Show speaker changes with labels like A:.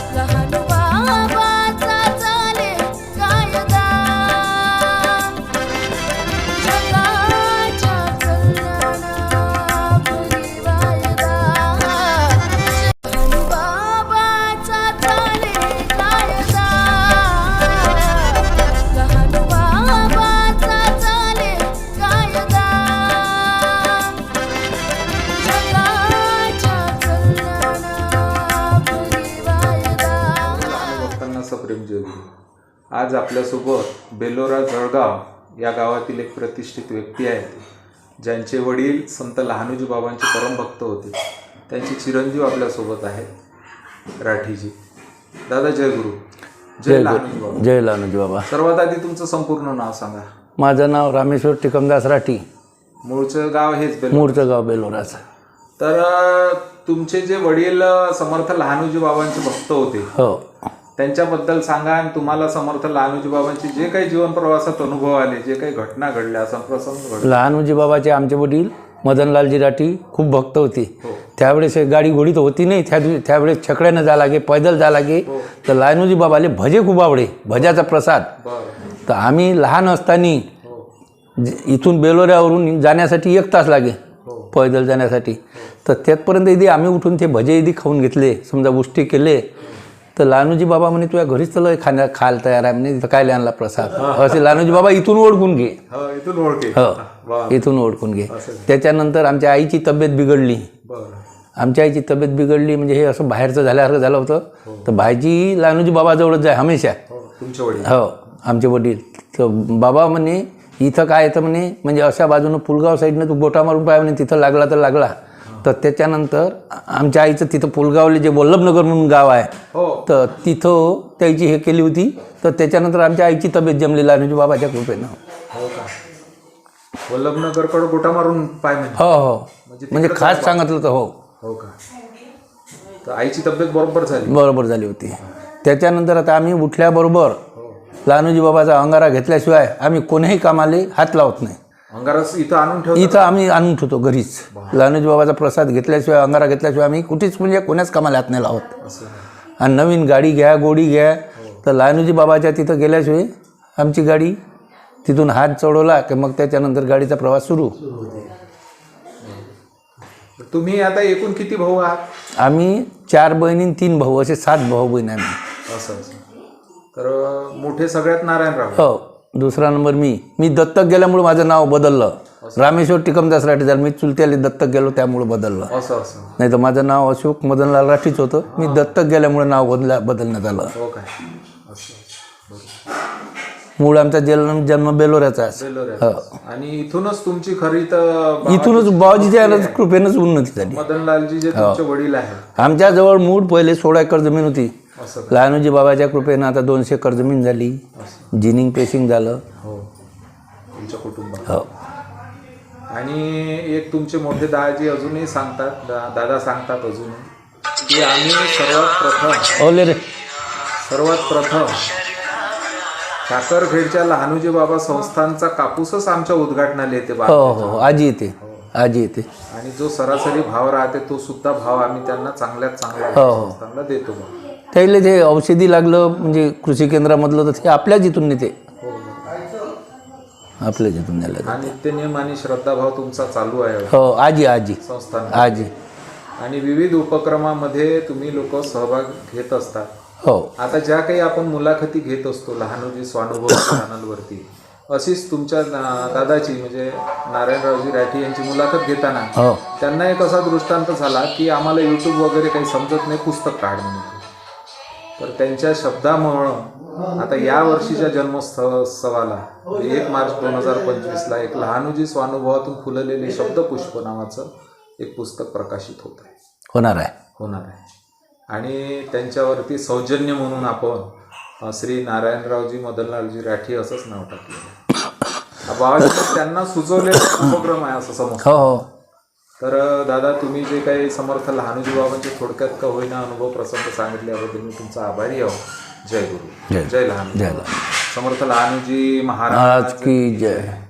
A: लहान बाबाचा चाले कायदा जगाच्या कल्याणापुरी वायदा लहान बाबाचा चाले कायदा लहान बाबाचा चाले कायदा जगाच्या कल्याणापुरी वायदा
B: भक्तांना सप्रेम जय गुरु. आज आपल्यासोबत बेलोरा जळगाव या गावातील एक प्रतिष्ठित व्यक्ती आहेत ज्यांचे वडील संत लहानोजी बाबांचे परमभक्त होते. त्यांचे चिरंजीव आपल्यासोबत आहेत राठीजी. दादा जय गुरु. जय लहानोजी बाबा.
C: जय लहानोजी बाबा.
B: सर्वात आधी तुमचं संपूर्ण नाव सांगा.
C: माझं नाव रामेश्वर टिकमदास राठी.
B: मूळचं गाव हेच बेलोरा.
C: मूळचं गाव बेलोराचं.
B: तर तुमचे जे वडील समर्थ लहानोजी बाबांचे भक्त होते
C: हो.
B: त्यांच्याबद्दल सांगा आणि तुम्हाला समर्थ लहानोजी बाबांचे जे काही जीवन प्रवासात अनुभव आले, जे काही घटना घडल्या, असा प्रसंग घडला.
C: लहानोजी बाबाचे आमचे वडील मदनलालजी राठी खूप भक्त होते.
B: हो.
C: त्यावेळेस गाडी घोडी तर होती नाही. त्यावेळेस छकड्यानं जा लागे, पैदल जा लागे. तर लहानोजी बाबाले भजे खूप आवडे, भज्याचा प्रसाद.
B: बरं.
C: तर आम्ही लहान असताना
B: हो.
C: इथून बेलोऱ्यावरून जाण्यासाठी 1 तास लागे
B: हो.
C: पैदल जाण्यासाठी. तर त्यातपर्यंत इथे आम्ही उठून ते भजे इथे खाऊन घेतले, समजा उष्टी केले. तर लहानोजी बाबा म्हणे तुझ्या घरीच तर खायला तयार आहे म्हणे, तिथं काय आणला प्रसाद. असे लहानोजी बाबा इथून ओळखून घे.
B: हो, इथून ओळखे.
C: हो, इथून ओळखून घे. त्याच्यानंतर आमच्या आईची तब्येत बिघडली.
B: बरं.
C: आमच्या आईची तब्येत बिघडली म्हणजे हे असं बाहेरचं झाल्यासारखं झालं होतं. तर भाजी लहानोजी बाबाजवळच जाय हमेशा.
B: हो, तुमचे वडील.
C: हो, आमचे वडील. तर बाबा म्हणे इथं काय येतं म्हणे, म्हणजे अशा बाजूनं पुलगाव साईडनं तू गोटा मारून पाय म्हणे, तिथं लागला तर लागला. तर त्याच्यानंतर आमच्या आईचं तिथं पुलगावले जे वल्लभनगर म्हणून गाव आहे,
B: हो.
C: तर तिथं त्याची हे केली होती. तर त्याच्यानंतर आमच्या आईची तब्येत जमली लहानोजी बाबाच्या कृपेनं.
B: हो का. वल्लभनगरकडे गोटा मारून पाय म्हणजे.
C: हो हो, म्हणजे खास सांगितलं तर हो.
B: हो का. तर आईची तब्येत बरोबर झाली.
C: बरोबर झाली होती. त्याच्यानंतर आता आम्ही उठल्याबरोबर
B: हो.
C: लहानोजी बाबाचा अंगारा घेतल्याशिवाय आम्ही कोणीही कामाले हात लावत नाही.
B: अंगारस इथं आणून ठेवतो.
C: इथं आम्ही आणून ठेवतो घरीच. लहानोजी बाबाचा प्रसाद घेतल्याशिवाय, अंगारा घेतल्याशिवाय आम्ही कुठेच म्हणजे कोणाच कामाला हात नाही लावत.
B: असं.
C: आणि नवीन गाडी घ्या, गोडी घ्या, तर लहानोजी बाबाच्या तिथं गेल्याशिवाय आमची गाडी तिथून हात चढवला की मग त्याच्यानंतर गाडीचा प्रवास सुरू.
B: तुम्ही आता एकूण किती भाऊ आहात?
C: आम्ही 4 बहिणी 3 भाऊ, असे 7 भाऊ बहीण आम्ही.
B: असं असं. तर मोठे सगळ्यात नारायणराव.
C: हो, दुसरा नंबर मी दत्तक गेल्यामुळे माझं नाव बदललं. रामेश्वर टिकमदास राठी झालं. मी चुलत्याला दत्तक गेलो त्यामुळे बदललं.
B: असं असं.
C: नाही तर माझं नाव अशोक मदनलाल राठीच होतं. मी दत्तक गेल्यामुळे नाव बदलण्यात आलं.
B: हो काय. असं.
C: मूळ आमचा जन्म बेलोऱ्याचा आहे.
B: बेलोऱ्यात. आणि इथूनच तुमची खरी तर
C: इथूनच बाबाजीच्या कृपेनंच उन्नती झाली.
B: मदनलालजी जे तुमचे वडील आहेत,
C: आमच्या जवळ मूळ पहिले 16 एकर जमीन होती.
B: असं.
C: लहानोजी बाबाच्या कृपेनं आता 200 एकर जमीन झाली. जिनिंग पेशिंग झालं.
B: हो, तुमच्या कुटुंबात.
C: हो.
B: आणि एक तुमचे मोठे दादाजी अजूनही सांगतात, दादा सांगतात अजूनही, की आम्ही सर्वात प्रथम साखरखेडच्या लहानोजी बाबा संस्थानचा कापूसच आमच्या उद्घाटनाला येते.
C: हो हो, आजी येते. आजी येते.
B: आणि जो सरासरी भाव राहते तो सुद्धा भाव आम्ही त्यांना चांगल्यात चांगला संस्थानला देतो.
C: त्याला ते औषधी लागलं म्हणजे कृषी केंद्रामधलं तर ते आपल्याच इथून नेते. आपल्याच इथून नेलं.
B: आणि नित्यनियम आणि श्रद्धाभाव तुमचा चालू आहे.
C: हो, आजी
B: संस्थान.
C: आजी.
B: आणि विविध उपक्रमामध्ये तुम्ही लोक सहभाग घेत असतात.
C: हो.
B: आता ज्या काही आपण मुलाखती घेत असतो लहानोजी स्वानुभव चॅनलवरती, अशीच तुमच्या दादाची म्हणजे नारायणरावजी राठी यांची मुलाखत घेताना त्यांना एक असा दृष्टांत झाला की आम्हाला यूट्यूब वगैरे काही समजत नाही, पुस्तक काढ म्हणून. तर त्यांच्या शब्दामुळं आता या वर्षीच्या जन्मोत्सवाला 1 मार्च 2025ला एक लहानोजी स्वानुभवातून फुललेले शब्दपुष्प नावाचं एक पुस्तक प्रकाशित
C: होणार आहे.
B: आणि त्यांच्यावरती सौजन्य म्हणून आपण श्री नारायणरावजी मदनलालजी राठी असंच नाव टाकलं. बाबाजी त्यांना सुचवलेला उपक्रम आहे असं समज.
C: हो.
B: तर दादा, तुम्ही जे काही समर्थ लहानोजी बाबांचे थोडक्यात का होईना अनुभव प्रसंग सांगितल्याबद्दल मी तुमचा आभारी आहो. जय गुरु. जय लहानोजी.
C: जय
B: समर्थ लहानोजी महाराज
C: की जय.